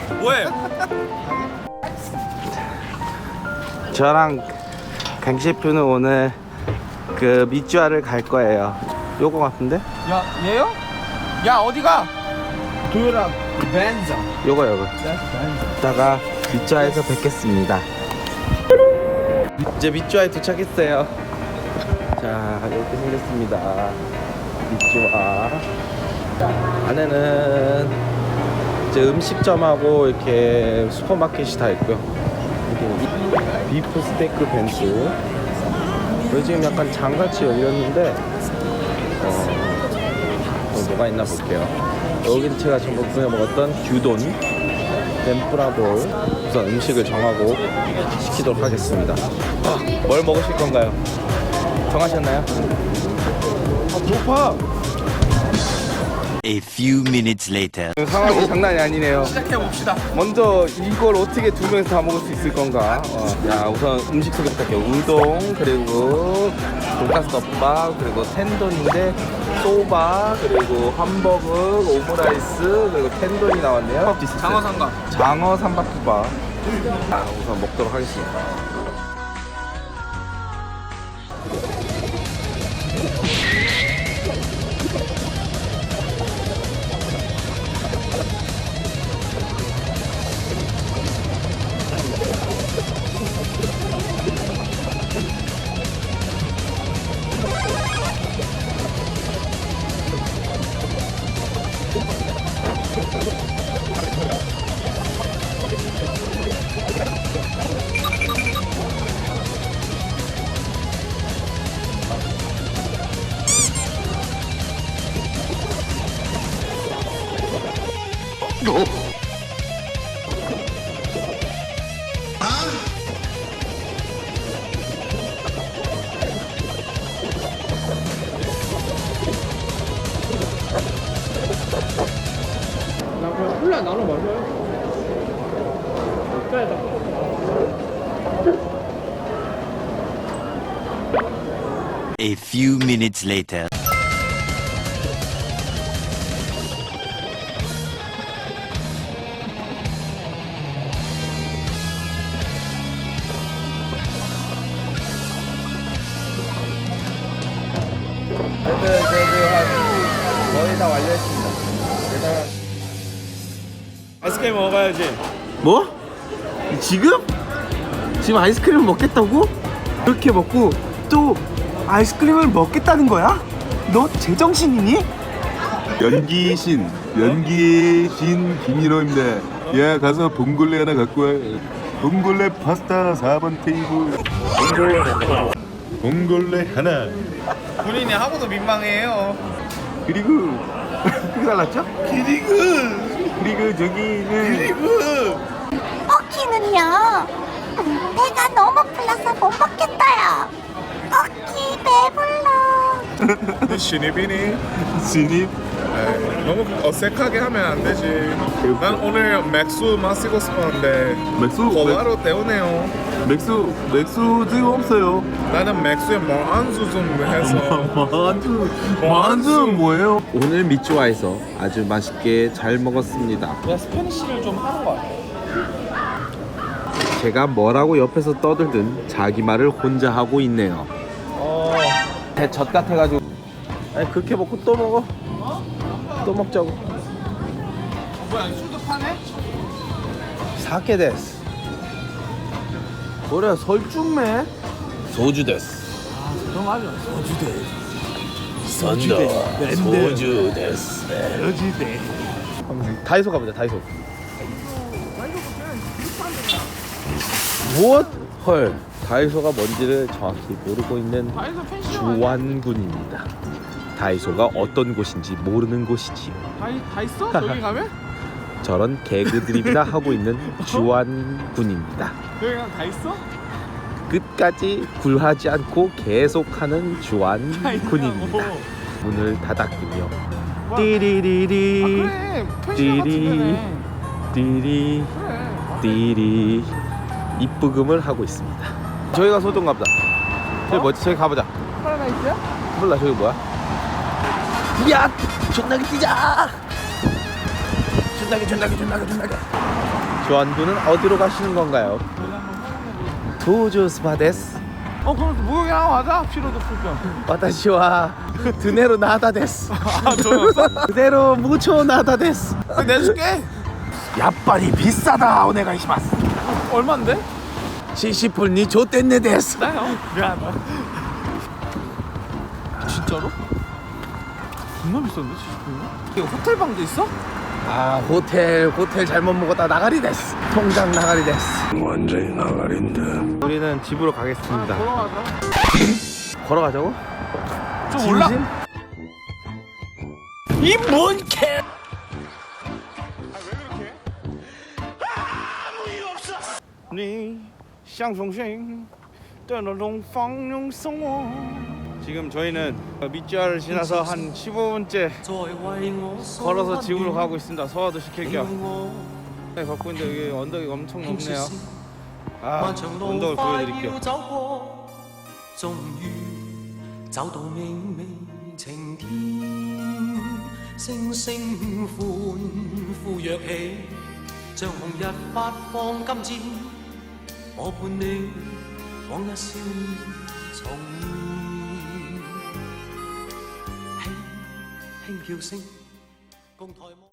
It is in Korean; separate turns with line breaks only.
뭐해?
저랑 강 셰프는 오늘 그 밑주아를 갈 거예요. 요거 같은데?
야 얘요? 야 어디가? 도요라 벤자.
요거. 이따가 밑주아에서 뵙겠습니다. 이제 밑주아에 도착했어요. 자, 이렇게 생겼습니다. 밑주아. 안에는 이제 음식점하고 이렇게 슈퍼마켓이 다 있고요. 이렇게 비프 스테이크 벤츠. 여기 지금 약간 장같이 열렸는데 뭐가 있나 볼게요. 여기는 제가 전부 그냥 먹었던 규돈 덴푸라볼. 우선 음식을 정하고 시키도록 하겠습니다. 뭘 먹으실 건가요? 정하셨나요? 배고파.
A few minutes later.
상황이 장난이 아니네요.
시작해봅시다.
먼저 이걸 어떻게 두 명이서 다 먹을 수 있을 건가? 자, 우선 음식 소개 부탁해요. 우동, 그리고 돈가스 덮밥, 그리고 텐돈인데 소바, 그리고 햄버거, 오므라이스, 그리고 텐돈이 나왔네요.
장어 삼각.
장어 삼박국밥. 자, 우선 먹도록 하겠습니다.
나 그냥 콜라 나눠 마셔요.
A few minutes later.
거의 다 완료했습니다.
아이스크림 먹어야지.
뭐? 지금? 지금 아이스크림을 먹겠다고? 이렇게 먹고 또 아이스크림을 먹겠다는 거야? 너 제정신이니?
연기신 김인호입니다. 야, 가서 봉골레 하나 갖고 와. 봉골레 파스타 4번 테이블. 봉골레 하나.
본인이 하고도 민망해요.
그리고
크게 달랐죠?
그리고 저기는
어키는요. 배가 너무 불러서 못 먹겠어요. 어키 배불러.
신입이니?
신입
너무 어색하게 하면 안 되지. 난 오늘 맥주 마시고 싶었는데 고바로 때우네요.
맥주 지금 없어요.
나는 맥주에 뭐 안주 좀 해서.
완전 뭐예요?
오늘 밑주아에서 아주 맛있게 잘 먹었습니다.
그냥 스페니쉬를 좀 하는 거 같아.
제가 뭐라고 옆에서 떠들든 자기 말을 혼자 하고 있네요. 대젖 같아가지고. 아니 그렇게 먹고 또 먹어. 또 먹자고.
뭐야 술도 파네?
사케 데스. 그래 설중매. 소주 데스.
그럼 맞아.
소주 데스. 다이소 가보자. 다이소. 무엇? 헐. 다이소가 뭔지를 정확히 모르고 있는
다이소 펜시
주완군입니다. 다이소가 어떤 곳인지 모르는 곳이지요.
다 있어? 저기 가면?
저런 개그드립이나 하고 있는 주완군입니다.
여기 그냥 다 있어?
끝까지 굴하지 않고 계속하는 주완군입니다. 문을 닫았군요. 띠리리리
그래 펜시가
띠리
같은데.
띠리
그래.
띠리 입부금을 하고 있습니다. 저기가 소동갑다. 저기 뭐지? 저기 가보자.
파라다이스야?
몰라 저기 뭐야? 야! 존나게 뛰자! 존나게 조한군은 어디로 가시는 건가요? 도조 스파 데스.
그럼 목욕이 하나 가자. 피로도 풀 겸.
와타시와 드네로 나다 데스.
좋았어?
그대로 무초 나다 데스.
내줄게.
야빨이 비싸다 오네가이시마스.
얼만데?
70불 니 좆됐네 데스.
나요. 미안하다. 진짜로? 겁나 비싼데 70불이면? 이거 호텔 방도 있어?
아 호텔 잘못 먹었다 나가리 데스. 통장 나가리 데스.
완전히 나가린다.
우리는 집으로 가겠습니다.
걸어가자.
걸어가자고?
좀 올라.
이뭔 개? 지금 저희는 밑지하를 지나서 한 15분째 걸어서 집으로 가고 있습니다. 소화도 시킬 겸. 네, 걷고 있는데 여기 언덕이 엄청 높네요. 아, 언덕을 보여드릴게요.
終於找到美美晴天，星星歡呼躍起，像紅日發放金箭，我伴你往日少年重現，輕輕叫聲，共抬望。